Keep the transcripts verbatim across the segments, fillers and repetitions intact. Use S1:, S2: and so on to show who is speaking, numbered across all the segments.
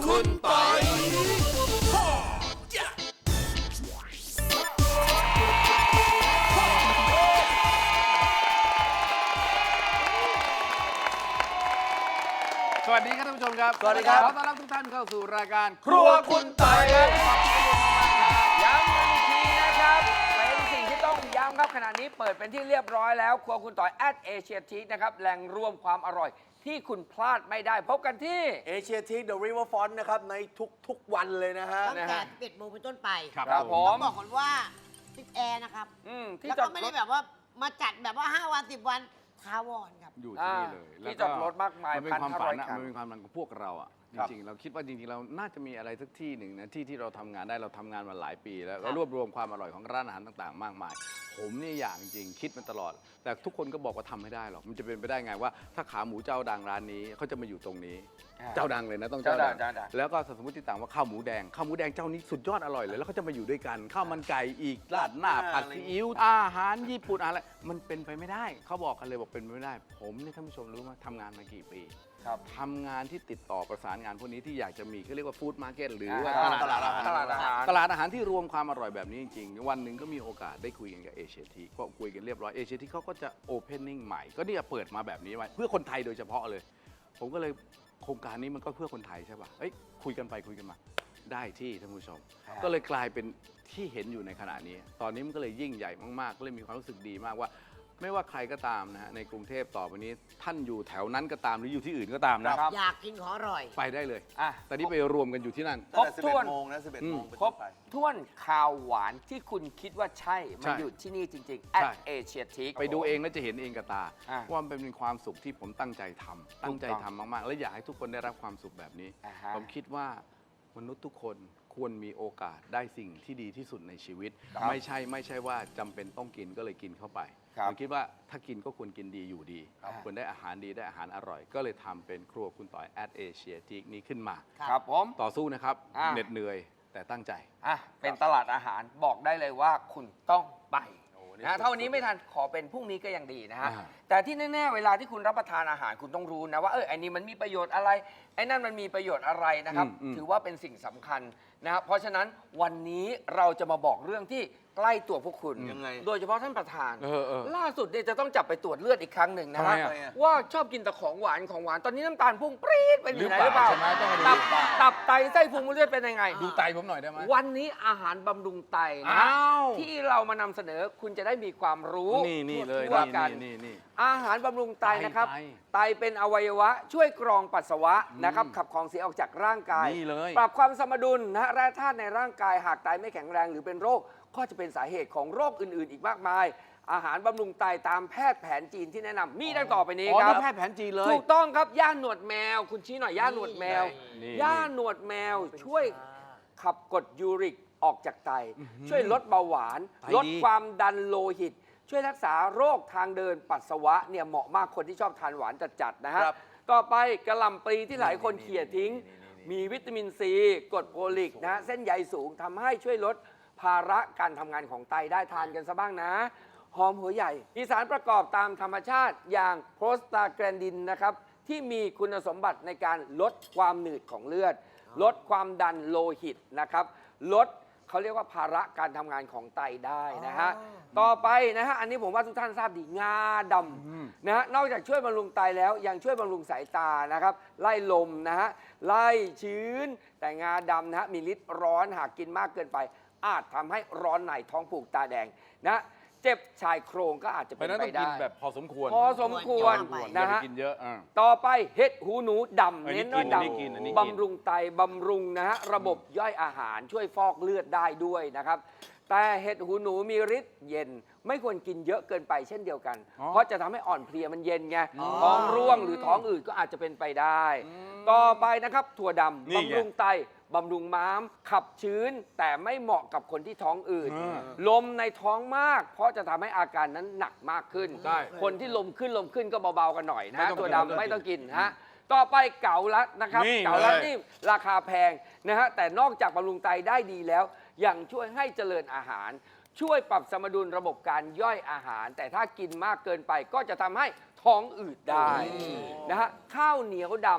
S1: คุณปอย
S2: สวัสดีครับท่านผู้ชมครับ
S3: สวัสดีครับ
S2: ขอต้อนรับทุกท่านเข้าสู่รายการ
S3: ครัวคุณปอยครับ
S4: ย้ำกันอีกทีนะครับ เป็นสิ่งที่ต้องย้ำครับขณะนี้เปิดเป็นที่เรียบร้อยแล้วครัวคุณต่อย at Asia Teak นะครับแหล่งรวมความอร่อยที่คุณพลาดไม่ได้พบกันที่
S3: เอเชียทีค The River Front นะครับในทุกๆวันเลยนะฮะ
S5: ตั้งแต่สิบเอ็ดโมงเป็นต้นไป
S2: ครับ
S4: ครับผ
S5: ต้
S4: ม
S5: องบอกก่อนว่าติดแอร์นะครับ
S4: อืมที่
S5: แล้ว
S4: จอ
S5: ก็
S4: ด
S5: ไม่
S4: ร
S5: ได้
S4: ถ
S5: แบบว่ามาจัดแบบว่า ห้า วัน สิบ วันทาวรครับ
S2: อยู่ที่นี่เลย
S4: อ่าที่จอดรถมากมาย
S2: มันเป็นความฝันนะ
S4: พันห้าร้อยคัน
S2: มันเป็นความฝันของพวกเราอ่ะจ
S3: ครับ
S2: ริงๆเราคิดว่าจริงๆเราน่าจะมีอะไรสักที่หนึ่งนะที่ที่เราทำงานได้เราทำงานมาหลายปีแล้ว
S5: ครั
S2: เรา
S5: บ
S2: รวบรวมความอร่อยของร้านอาหารต่างๆ มากมาย ผมนี่อย่างจริงคิดมันตลอด แต่ทุกคนก็บอกว่าทำไม่ได้หรอกมันจะเป็นไปได้ไงว่า ถ้าขาหมูเจ้าดังร้านนี้เขาจะมาอยู่ตรงนี้ เจ้าดังเลยนะต้องเจ้าดัง
S4: เจ้าดังเจ้าดัง
S2: แล้วก็สมมติต่างว่าข้าวหมูแดงข้าวหมูแดงเจ้านี้สุดยอดอร่อยเลยแล้วเขาจะมาอยู่ด้วยกันข้าวมันไก่อีกราดหน้าผัดซีอิ๊วอาหารญี่ปุ่นอะไรมันเป็นไปไม่ได้เขาบอกกันเลยบอกเป็นไปไม่ได้ ผมเนี่ยท่านผู้ชมรู้ไหมทำงานมากี่ปี
S4: ครับ
S2: ทำงานที่ติดต่อประสานงานพวกนี้ที่อยากจะมีเขาเรียกว่าฟู้ดมาร์เก็ตหรือว่า
S4: อ่า
S2: ตลาดอาหาร
S4: ตลาดอาหาร
S2: ตลาดอาหารที่รวมความอร่อยแบบนี้จริงๆวันหนึ่งก็มีโอกาสได้คุยกันกับเอเชียทีก็คุยกันเรียบร้อยเอเชียทีเขาก็จะโอเพนนิ่งใหม่ก็เนี่ยเปิดมาแบบนี้ไว้เพื่อคนไทยโดยเฉพาะเลย ผมก็เลยโครงการนี้มันก็เพื่อคนไทยใช่ป่ะเอ้ยคุยกันไปคุยกันมาได้ที่ท่านผู้ชม ก็เลยกลายเป็นที่เห็นอยู่ในขณะนี้ ตอนนี้มันก็เลยยิ่งใหญ่มากๆ ก็เลยมีความรู้สึกดีมากว่า ไม่ว่าใครก็ตามนะฮะในกรุงเทพต่อไปนี้ท่านอยู่แถวนั้นก็ตามหรืออยู่ที่อื่นก็ตามนะ
S4: ครับ
S5: อยากกินของอร่อย
S2: ไปได้เลย
S4: อ่ะ
S2: แต่นี่ไปรวมกันอยู่ที่นั่น
S3: ตั้งแต่
S4: ครบถ้วน
S3: สิบเอ็ดโมงนะสิบเอ็ดโมงเป็น
S4: คร
S3: ต้
S4: บ
S3: นไป
S4: ถ้วนข่าวหวานที่คุณคิดว่าใช่
S2: ใช่
S4: มันอยู่ที่นี่จริงๆ
S2: ใช่
S4: at Asia Teak
S2: ไปดูเองแล้วจะเห็นเองกับตา
S4: อ่ะ
S2: ว่ามันเป็นความสุขที่ผมตั้งใจทำตั้งใจ
S4: ถูกต้
S2: ทำ
S4: อง
S2: มากๆ และอยากให้ทุกคนได้รับความสุขแบบนี้
S4: อ่าฮะ
S2: ผมคิดว่ามนุษย์ทุกคนควรมีโอกาสได้สิ่งที่ดีที่สุดในชีวิต
S4: ครับ
S2: ไม่ใช่ไม่ใช่ว่าจำเป็นต้องกินก็เลยกินเข้าไป
S4: ครับ
S2: ผมคิดว่าถ้ากินก็ควรกินดีอยู่ดี
S4: ครับ
S2: ควรได้อาหารดีได้อาหารอร่อย ก็เลยทำเป็นครัวคุณต่อย at Asia Teak นี้ขึ้นมา
S4: ครับผม
S2: ต่อสู้นะครับ
S4: อ่า
S2: เหน็ดเหนื่อยแต่ตั้งใจ
S4: อ่ะเป็นตลาดอาหารบอกได้เลยว่าคุณต้องไป
S3: โอ้นี่
S4: นะถ้าวันนี้ไม่ทันขอเป็นพรุ่งนี้ก็ยังดีนะฮะ
S2: อ่า
S4: แต่ที่แน่ๆเวลาที่คุณรับประทานอาหารคุณต้องรู้นะว่าเออไอ้นี่มันมีประโยชน์อะไรไอ้นั่นมันมีประโยชน์อะไรนะครับ
S2: อืมอืม
S4: ถือว่าเป็นสิ่งสำคัญนะครับเพราะฉะนั้นวันนี้เราจะมาบอกเรื่องที่ใกล้ตัวพวกคุณ
S3: ยังไง
S4: โดยเฉพาะท่านประธาน
S2: เออเออ
S4: ล่าสุดเนี่ยจะต้องจับไปตรวจเลือดอีกครั้งหนึ่งนะ
S2: ทำไม
S4: ฮะ
S2: อ่ะ
S4: ว่าชอบกินแต่ของหวานของหวานตอนนี้น้ำตาลพุ่งปรี๊ดไปอยู่ไหนหรือเปล่า
S2: ใช่ไหมต้องมาดู
S4: ตับ
S2: หรือเปล่า
S4: ตับไตไส้พุงเลือดเป็นยังไง
S2: ดูไตผมหน่อยได้ไหม
S4: วันนี้อาหารบำรุงไตนะ
S2: อ้าว
S4: ที่เรามานำเสนอคุณจะได้มีความรู้
S2: นี่นี่เลย
S4: ทั่ว
S2: นี่
S4: กัน
S2: นี่นี่
S4: อาหารบำรุงไต
S2: ไต
S4: นะครับ
S2: ไต
S4: ไตเป็นอวัยวะ ช่วยกรองปัสสาวะนะครับขับของเสียออกจากร่างกาย
S2: นี่เลย
S4: ปรับความสมดุลนะแร่ธาตุในร่างกายหากไตไม่แข็งแรงหรือเป็นโรค ก็จะเป็นสาเหตุของโรคอื่น ๆ อีกมากมาย อาหารบำรุงไตตามแพทย์แผนจีนที่แนะนำมีดังต่อไปนี้
S2: อ๋อ
S4: ครั
S2: นี่
S4: บ
S2: แพทย์แผนจีนเลย
S4: ถูกต้องครับย่าหนวดแมว คุณชี้หน่อยย่าหนวดแมว
S2: นี่
S4: ย่าหนวดแมวช่วยขับกรดยูริกออกจากไต ช่วยลดเบาหวาน
S2: ไตดี
S4: ลดความดันโลหิต ช่วยรักษาโรคทางเดินปัสสาวะเนี่ยเหมาะมากคนที่ชอบทานหวานจัดๆนะฮะ
S3: ครับ
S4: ต่อไปกระหล่ำปลีที่หลายคนเขี่ยทิ้ง มีวิตามินซีกรดโฟลิกนะฮะเส้นใยสูงทำให้ช่วยลดภาระการทำงานของไตได้ทานกันซะบ้างนะ หอมหัวใหญ่มีสารประกอบตามธรรมชาติอย่างโพรสตาแกรนดินนะครับ ที่มีคุณสมบัติในการลดความหนืดของเลือด ลดความดันโลหิตนะครับ ลดเขาเรียกว่าภาระการทำงานของไตได้นะฮะ ต่อไปนะฮะ อันนี้ผมว่าทุกท่านทราบดีงาดำนะฮะ นอกจากช่วยบำรุงไตแล้วยังช่วยบำรุงสายตานะครับ ไล่ลมนะฮะ ไล่ชื้น แต่งาดำนะฮะ มีฤทธิ์ร้อนหากกินมากเกินไป อาจทำให้ร้อนในท้องผูกตาแดงนะเจ็บชายโครงก็อาจจะ
S2: เพ
S4: เป็
S2: ราะ
S4: น
S2: ฉะนั้น
S4: ไป
S2: ต้องกิ
S4: ได้
S2: นแบบพอสมควร
S4: พอสมควร
S5: ควร
S2: อย่า
S4: นะ
S2: ไป
S4: ฮะ
S2: กินเยอะอ่า
S4: ต่อไปเห็ดหูหนูดำ
S2: อันนี้
S4: เน้นว่า
S2: กิน
S4: ด
S2: อันนี้กินอันนี้กิน
S4: ำบำรุงไตบำรุงนะฮะระบบย่อยอาหารช่วยฟอกเลือดได้ด้วยนะครับ แต่เห็ดหูหนูมีฤทธิ์เย็น ไม่ควรกินเยอะเกินไปเช่นเดียวกัน
S2: อ๋อ
S4: เพราะจะทำให้อ่อนเพลียมันเย็นไง
S2: อ๋อ
S4: ท้องร่วงหรือท้องอืดก็อาจจะเป็นไปได้ ต่อไปนะครับถั่วดำ
S2: นี่ไง
S4: บำรุงไตบำรุงม้าม ขับชื้น แต่ไม่เหมาะกับคนที่ท้องอืด
S2: อ่า
S4: ลมในท้องมาก เพราะจะทำให้อาการนั้นหนักมากขึ้น
S2: ใช่
S4: คนที่ลมขึ้นลมขึ้นก็เบาๆกันหน่อยนะ
S2: ไม่
S4: ฮะ
S2: ต้อง
S4: ตัว
S2: กิน
S4: ดำไม่ต้องกินฮะต่อไปเก๋าลัดนะครับ
S2: นี่
S4: เก๋าลัด
S2: เลย
S4: นี่ราคาแพงนะฮะแต่นอกจากบำรุงไตได้ดีแล้วยังช่วยให้เจริญอาหาร ช่วยปรับสมดุลระบบการย่อยอาหาร แต่ถ้ากินมากเกินไปก็จะทำให้ท้องอืดได้นะฮะข้าวเหนียวดำ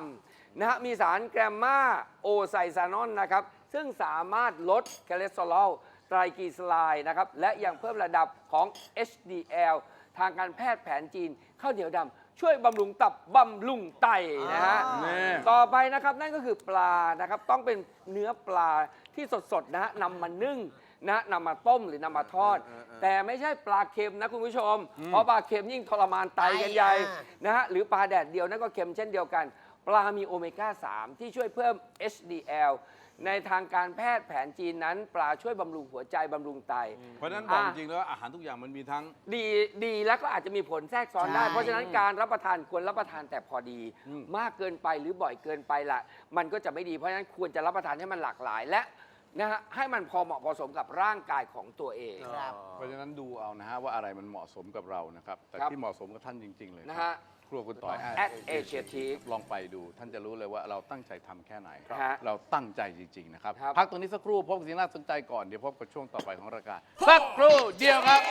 S4: นะฮะมีสารแกรมมาโอไซซานอนนะครับซึ่งสามารถลดคอเลสเตอรอลไตรกลีเซอไรด์นะครับและยังเพิ่มระดับของ เอช ดี แอล ทางการแพทย์แผนจีนข้าวเหนียวดำช่วยบำรุงตับบำรุงไตนะฮะ
S2: นี่
S4: ต่อไปนะครับนั่นก็คือปลานะครับต้องเป็นเนื้อปลาที่สดๆนะฮะนำมานึ่งนะนำมาต้มหรือนำมาทอด แต่ไม่ใช่ปลาเค็มนะคุณผู้ชม เพราะปลาเค็มยิ่งทรมานไตกันใหญ่
S5: อ่า
S4: นะฮะหรือปลาแดดเดียวนั่นก็เค็มเช่นเดียวกัน ปลามีโอเมก้า สาม ที่ช่วยเพิ่ม เอช ดี แอล ในทางการแพทย์แผนจีนนั้น ปลาช่วยบำรุงหัวใจบำรุงไต
S2: เพราะฉะนั้นบอกจริงๆแล้วอาหารทุกอย่างมันมีทั้ง
S4: ดีดีแล้วก็อาจจะมีผลแทรกซ้อนได้
S5: ใช่
S4: เพราะฉะนั้นการรับประทานควรรับประทานแต่พอดี มากเกินไปหรือบ่อยเกินไปละมันก็จะไม่ดีเพราะฉะนั้นควรจะรับประทานให้มันหลากหลาย และนะฮะให้มันพอเหมาะพอสมกับร่างกายของตัวเอง
S5: ครับ
S2: เพราะฉะนั้นดูเอานะฮะว่าอะไรมันเหมาะสมกับเรานะครับ แต่
S4: ครับ
S2: ที่เหมาะสมกับท่านจริง ๆ เลย
S4: นะ
S2: ครั
S4: ฮะ
S2: บครัวคุณต่อย
S4: at Asiatic
S2: ลองไปดู ท่านจะรู้เลยว่าเราตั้งใจทำแค่ไหน
S4: ครับฮะ
S2: เราตั้งใจจริง ๆ นะครับ
S4: ครับ
S2: พักตรงนี้สักครู่พบกับสิ่งน่าสนใจก่อน เดี๋ยวพบกับช่วงต่อไปของรายการสักครู่เดียวครับ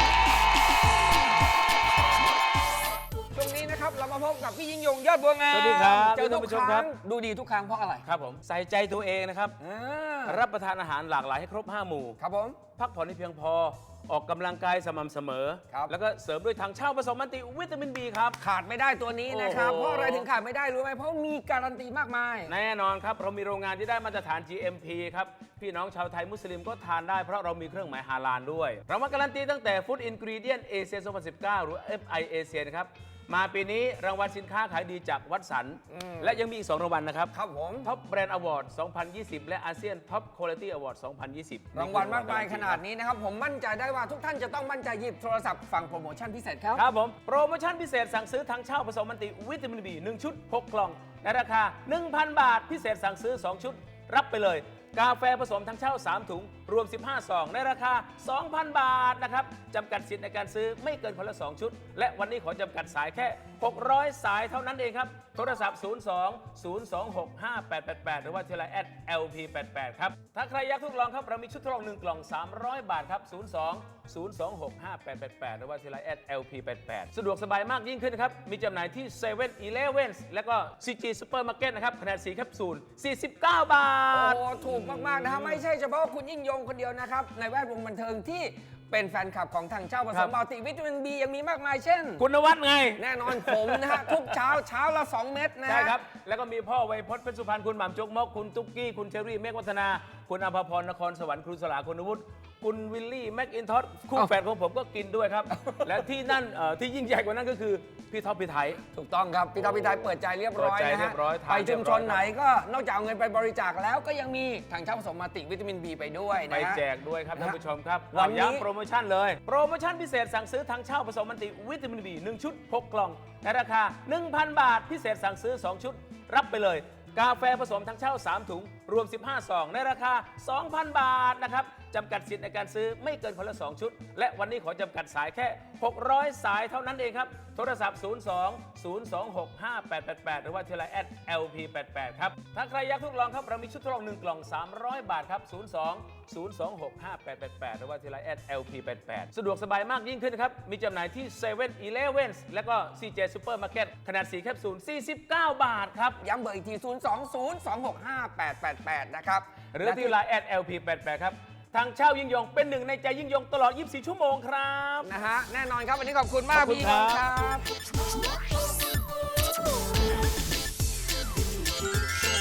S4: ช่วงนี้นะครับเรามาพบกับพี่ยิ่งยงยอดบัวงาม
S1: สวัสดีครับ
S4: เจอทุก
S1: ท่านผู้ช
S4: ค
S1: มครั
S4: รั้
S1: บ
S4: งดูดีทุกครั้งเพราะอะไร
S1: ครับผมใส่ใจตัวเองนะครับ
S4: อ่า
S1: รับประทานอาหารหลากหลายให้ครบ ห้า หมู่
S4: ครับผม
S1: พักผ่อนให้เพียงพอ ออกกำลังกายสม่ำเสมอ
S4: ครับ
S1: แล้วก็เสริมด้วยถังเช่าผสมมัลติวิตามิน บี ครับ
S4: ขาดไม่ได้ตัวนี้นะครับ
S1: โอ้โห
S4: เพราะอะไรถึงขาดไม่ได้รู้ไหมเพราะมีการันตีมากมาย
S1: แน่นอนครับ เรามีโรงงานที่ได้มาตรฐาน จี เอ็ม พี ครับ พี่น้องชาวไทยมุสลิมก็ทานได้เพราะเรามีเครื่องหมายฮาลาลด้วย เรามาการันตีตั้งแต่ Food Ingredient Asia สองพันสิบเก้า หรือ เอฟ ไอ Asia นะครับ มาปีนี้รางวัลสินค้าขายดีจากวัดสัน และยังมีอีก สอง รางวัลนะครับ
S4: ครับผม
S1: ท็อปแบรนด์อวอร์ด สองพันยี่สิบ และอาเซียนท็อปคุณภาพอวอร์ด สองพันยี่สิบ
S4: รางวัลมากมายขนาดนี้นะครับ ผมมั่นใจได้ว่าทุกท่านจะต้องมั่นใจหยิบโทรศัพท์ฟังโปรโมชั่นพิเศษครับ
S1: ครับผม โปรโมชั่นพิเศษสั่งซื้อทั้งเช่าผสมมันติวิตามิน บี หนึ่ง ชุด หก กล่อง ในราคา หนึ่งพัน บาท พิเศษสั่งซื้อ สอง ชุด รับไปเลย กาแฟผสมทั้งเช่า สาม ถุง รวม สิบห้า ซอง ในราคา สองพัน บาทนะครับจำกัดสิทธิ์ในการซื้อไม่เกินคนละ สอง ชุด และวันนี้ขอจำกัดสายแค่ หกร้อย สายเท่านั้นเองครับ โทรศัพท์ ศูนย์ สอง ศูนย์ สอง หก ห้า แปด แปด แปด หรือว่าที่ไลน์ แอท แอล พี แปด แปด ครับ ถ้าใครอยากทดลองครับ เรามีชุดทดลองหนึ่งกล่อง สามร้อย บาทครับ ศูนย์ สอง ศูนย์ สอง หก ห้า แปด แปด แปด หรือว่าที่ไลน์ แอท แอล พี แปด แปด สะดวกสบายมากยิ่งขึ้นครับ มีจำหน่ายที่เซเว่นอีเลฟเว่นและก็ ซี จี Supermarket นะครับขนาด สี่ แคปซูล สี่สิบเก้า บา
S4: โอ้
S1: ท
S4: ถูกมาก ๆ นะครับ ไม่ใช่เฉพาะคุณยิ่งยงคนเดียวนะครับ ในแวดวงบันเทิงที่เป็นแฟนคลับของทางเจ้าผ
S1: ค
S4: ส
S1: รั
S4: ม
S1: บ
S4: มัลติวิตามินบียังมีมากมายเช่น
S1: คุณนวัดไง
S4: แน่นอนผมนะฮะ ทุกเช้าเช้าละ สอง เม็ดนะฮะ
S1: ใช่ครับ แล้วก็มีพ่อไวยพจน์เพชรสุพรรณคุณหม่ำจกมก คุณตุ๊กกี้ คุณเชอรี่ เมฆวัฒนา คุณอภพร นครสวรรค์ครูสลาคุณวุฒิคุณวิลลี่ แม็กอินทอสคู่แฝดของผมก็กินด้วยครับ และที่นั่นเอ่อที่ยิ่งใหญ่กว่านั้นก็คือ พี่ท็อปพี่ไทย
S4: ถูกต้องครับพี่ท็อปพี่ไทยเปิดใจเรียบร้อย
S1: เปิดใจ
S4: นะ
S1: เรี
S4: ฮะ
S1: ยบร้อยทาน
S4: ไปชุมชน
S1: เรียบร้อย
S4: ไหนก็นอกจากเอาเงินไปบริจาคแล้วก็ยังมีทางเจ้าผสมมัลติวิตามินบีไปด้วย
S1: ไป
S4: นะฮะ
S1: แจกด้วยครับท่านผู้ชมครับ
S4: วันนี้
S1: ย้ำโปรโมชั่นเลย โปรโมชั่นพิเศษสั่งซื้อทั้งเช่าผสมมันติวิตามิน บี หนึ่ง ชุด หก กล่อง ในราคา หนึ่งพัน บาท พิเศษสั่งซื้อ สอง ชุด รับไปเลย กาแฟผสมทั้งเช่า สาม ถุง รวม สิบห้า ซอง ในราคา สองพัน บาทนะครับจำกัดสิทธิ์ในการซื้อไม่เกินคนละ สอง ชุด และวันนี้ขอจำกัดสายแค่ หกร้อย สายเท่านั้นเองครับ โทรศัพท์ ศูนย์ สอง ศูนย์ สอง หก ห้า แปด แปด แปด หรือว่าที่ไลน์ แอท แอล พี แปด แปด ครับ ถ้าใครอยากทดลองครับ เรามีชุดทดลองหนึ่งกล่อง สามร้อย บาทครับ ศูนย์ สอง ศูนย์ สอง หก ห้า แปด แปด แปด หรือว่าที่ไลน์ แอท แอล พี แปด แปด สะดวกสบายมากยิ่งขึ้นครับ มีจำหน่ายที่เซเว่นอีเลฟเว่นและก็ ซี เจ Supermarket ขนาด สี่ แคปซูล สี่สิบเก้า บาทครับ
S4: ย้ำเบอร์อีกที ศูนย์ สอง ศูนย์ สอง หก ห้า แปด แปด แปด นะครับ
S1: หรือที่ไลน์ แอท แอล พี แปด แปด ครับ ทางเช่ายิ่งยงเป็นหนึ่งในใจยิ่งยงตลอด ยี่สิบสี่ ชั่วโมงครับ
S4: นะฮะ แน่นอนครับ วันนี้ขอบคุณมาก
S1: ขอบคุณ
S4: พี่ยิ่งยง
S1: ค
S4: ค
S1: รั
S4: รับ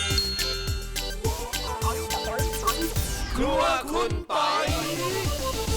S4: บ
S2: ครัวคุณต่อย